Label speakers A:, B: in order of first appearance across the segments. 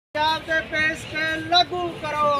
A: पंजाब दे पेश के लागू करो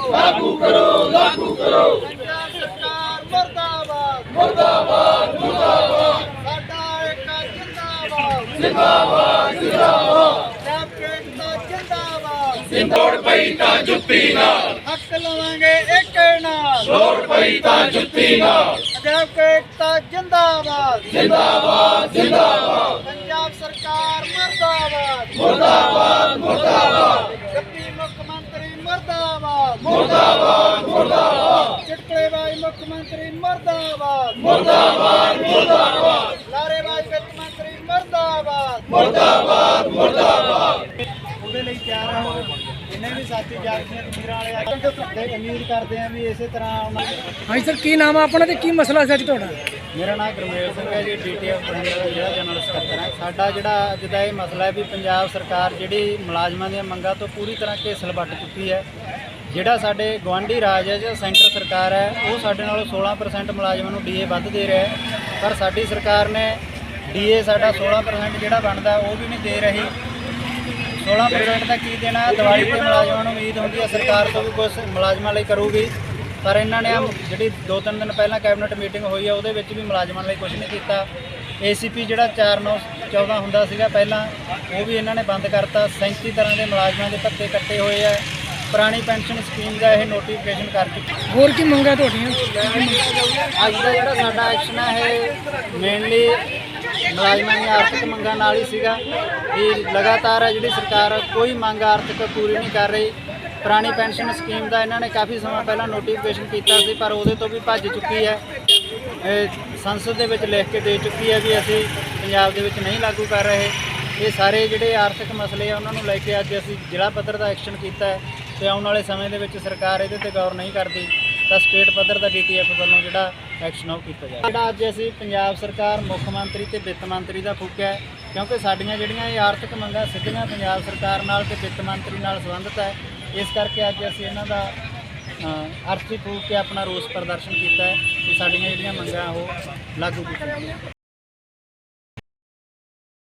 A: पंजाब सरकार मुर्दाबाद मुर्दाबाद मुर्दाबाद साडा एकता जिंदाबाद जिंदाबाद जिंदाबाद पंजाब के एकता जिंदाबाद
B: लोड़ पई तां जुत्ती नाल
A: हक लवांगे एक नाल
B: लोड़ पई तां जुत्ती नाल
A: पंजाब के एकता जिंदाबाद
B: जिंदाबाद जिंदाबाद
A: पंजाब सरकार मुर्दाबाद
B: मुर्दाबाद मुर्दाबाद
A: डिप्टी मुख्यमंत्री मुर्दाबाद
B: मुर्दाबाद मुर्दाबाद
A: चिटकलेबाज मुख्यमंत्री मुर्दाबाद
B: मुर्दाबाद मुर्दाबाद
A: लारेबाज वित्त मंत्री मुर्दाबाद
B: मुर्दाबाद मुर्दाबाद
A: ਉਹਦੇ ਲਈ ਤਿਆਰ ਰਹੋ ਜਿੰਨੇ ਵੀ ਸਾਥੀ ਜਾਗਦੀਆਂ ਵੀਰਾਂ ਵਾਲੇ ਆ ਉਮੀਦ ਕਰਦੇ ਆ ਵੀ ਇਸੇ ਤਰ੍ਹਾਂ
C: ਹਾਂਜੀ ਸਰ, ਕੀ ਨਾਮ ਆ ਆਪਣਾ ਤੇ ਕੀ ਮਸਲਾ ਸੀ ਅੱਜ ਤੁਹਾਡਾ?
A: ਮੇਰਾ ਨਾਮ ਗੁਰਮੇਲ ਸਿੰਘ ਹੈ ਜੀ, ਡੀਟੀਐਫ ਬਠਿੰਡਾ ਦਾ ਜਿਹੜਾ ਜਨਰਲ ਸਕੱਤਰ ਹੈ। ਸਾਡਾ ਜਿਹੜਾ ਅੱਜ ਦਾ ਇਹ ਮਸਲਾ ਹੈ ਵੀ ਪੰਜਾਬ ਸਰਕਾਰ ਜਿਹੜੀ ਮੁਲਾਜ਼ਮਾਂ ਦੀਆਂ ਮੰਗਾਂ ਤੋਂ ਪੂਰੀ ਤਰ੍ਹਾਂ ਘੇਸਲ ਵੱਟ ਚੁੱਕੀ ਹੈ। ਜਿਹੜਾ ਸਾਡੇ ਗਵਾਂਢੀ ਰਾਜ ਹੈ ਜਾਂ ਸੈਂਟਰ ਸਰਕਾਰ ਹੈ ਉਹ ਸਾਡੇ ਨਾਲੋਂ 16% ਮੁਲਾਜ਼ਮਾਂ ਨੂੰ ਡੀਏ ਵੱਧ ਦੇ ਰਿਹਾ ਹੈ, ਪਰ ਸਾਡੀ ਸਰਕਾਰ ਨੇ ਡੀਏ ਸਾਡਾ 16% ਜਿਹੜਾ ਬਣਦਾ ਉਹ ਵੀ ਨਹੀਂ ਦੇ ਰਹੀ। 16% ਦਾ ਕੀ ਦੇਣਾ? ਦੀਵਾਲੀ ਤੇ ਮੁਲਾਜ਼ਮਾਂ ਨੂੰ ਉਮੀਦ ਹੁੰਦੀ ਹੈ ਸਰਕਾਰ ਤੋਂ ਵੀ ਕੁਝ ਮੁਲਾਜ਼ਮਾਂ ਲਈ ਕਰੂਗੀ, ਪਰ ਇਹਨਾਂ ਨੇ ਜਿਹੜੀ 2-3 ਦਿਨ ਪਹਿਲਾਂ ਕੈਬਨਿਟ ਮੀਟਿੰਗ ਹੋਈ ਹੈ ਉਹਦੇ ਵਿੱਚ ਵੀ ਮੁਲਾਜ਼ਮਾਂ ਲਈ ਕੁਝ ਨਹੀਂ ਕੀਤਾ। ਏਸੀਪੀ ਜਿਹੜਾ 4914 ਹੁੰਦਾ ਸੀਗਾ ਪਹਿਲਾਂ ਉਹ ਵੀ ਇਹਨਾਂ ਨੇ ਬੰਦ ਕਰਤਾ। 37 ਤਰ੍ਹਾਂ ਦੇ ਮੁਲਾਜ਼ਮਾਂ ਦੇ ਭੱਤੇ ਕੱਟੇ ਹੋਏ ਆ। ਪੁਰਾਣੀ ਪੈਨਸ਼ਨ ਸਕੀਮ ਦਾ ਇਹ ਨੋਟੀਫਿਕੇਸ਼ਨ ਕਰ ਚੁੱਕੇ।
C: ਹੋਰ ਕੀ ਮੰਗਾਂ ਤੁਹਾਡੀਆਂ?
A: ਅੱਜ ਦਾ ਜਿਹੜਾ ਸਾਡਾ ਐਕਸ਼ਨ ਹੈ ਇਹ ਮੇਨਲੀ ਮੁਲਾਜ਼ਮਾਂ ਦੀਆਂ ਆਰਥਿਕ ਮੰਗਾਂ ਨਾਲ ਹੀ ਸੀਗਾ ਕਿ ਲਗਾਤਾਰ ਹੈ ਜਿਹੜੀ ਸਰਕਾਰ ਕੋਈ ਮੰਗ ਆਰਥਿਕ ਪੂਰੀ ਨਹੀਂ ਕਰ ਰਹੀ। ਪੁਰਾਣੀ ਪੈਨਸ਼ਨ ਸਕੀਮ ਦਾ ਇਹਨਾਂ ਨੇ ਕਾਫੀ ਸਮਾਂ ਪਹਿਲਾਂ ਨੋਟੀਫਿਕੇਸ਼ਨ ਕੀਤਾ ਸੀ, ਪਰ ਉਹਦੇ ਤੋਂ ਵੀ ਭੱਜ ਚੁੱਕੀ ਹੈ। ਸੰਸਦ ਦੇ ਵਿੱਚ ਲਿਖ ਕੇ ਦੇ ਚੁੱਕੀ ਹੈ ਵੀ ਅਸੀਂ ਪੰਜਾਬ ਦੇ ਵਿੱਚ ਨਹੀਂ ਲਾਗੂ ਕਰ ਰਹੇ। ਇਹ ਸਾਰੇ ਜਿਹੜੇ ਆਰਥਿਕ ਮਸਲੇ ਆ ਉਹਨਾਂ ਨੂੰ ਲੈ ਕੇ ਅੱਜ ਅਸੀਂ ਜ਼ਿਲ੍ਹਾ ਪੱਧਰ ਦਾ ਐਕਸ਼ਨ ਕੀਤਾ ਹੈ ਤੇ ਆਉਣ ਵਾਲੇ ਸਮੇਂ ਦੇ ਵਿੱਚ ਸਰਕਾਰ ਇਹਦੇ ਤੇ ਗੌਰ ਨਹੀਂ ਕਰਦੀ ਤਾਂ ਸਟੇਟ ਪੱਧਰ ਦਾ ਡੀਟੀਐਫ ਵੱਲੋਂ ਜਿਹੜਾ ਐਕਸ਼ਨ ਉਹ ਕੀਤਾ ਜਾਵੇ। ਜਿਹੜਾ ਅੱਜ ਅਸੀਂ ਪੰਜਾਬ ਸਰਕਾਰ ਮੁੱਖ ਮੰਤਰੀ ਤੇ ਵਿੱਤ ਮੰਤਰੀ ਦਾ ਫੂਕਿਆ ਕਿਉਂਕਿ ਸਾਡੀਆਂ ਜਿਹੜੀਆਂ ਇਹ ਆਰਥਿਕ ਮੰਗਾਂ ਸਿੱਧੀਆਂ ਪੰਜਾਬ ਸਰਕਾਰ ਨਾਲ ਤੇ ਵਿੱਤ ਮੰਤਰੀ ਨਾਲ ਸੰਬੰਧਿਤ ਹੈ। ਇਸ ਕਰਕੇ ਅੱਜ ਅਸੀਂ ਇਹਨਾਂ ਦਾ ਅਰਥੀ ਫੂਕ ਕੇ ਆਪਣਾ ਰੋਸ ਪ੍ਰਦਰਸ਼ਨ ਕੀਤਾ ਹੈ ਕਿ ਸਾਡੀਆਂ ਜਿਹੜੀਆਂ ਮੰਗਾਂ ਉਹ ਲਾਗੂ ਕੀਤੀਆਂ ਜਾਣ।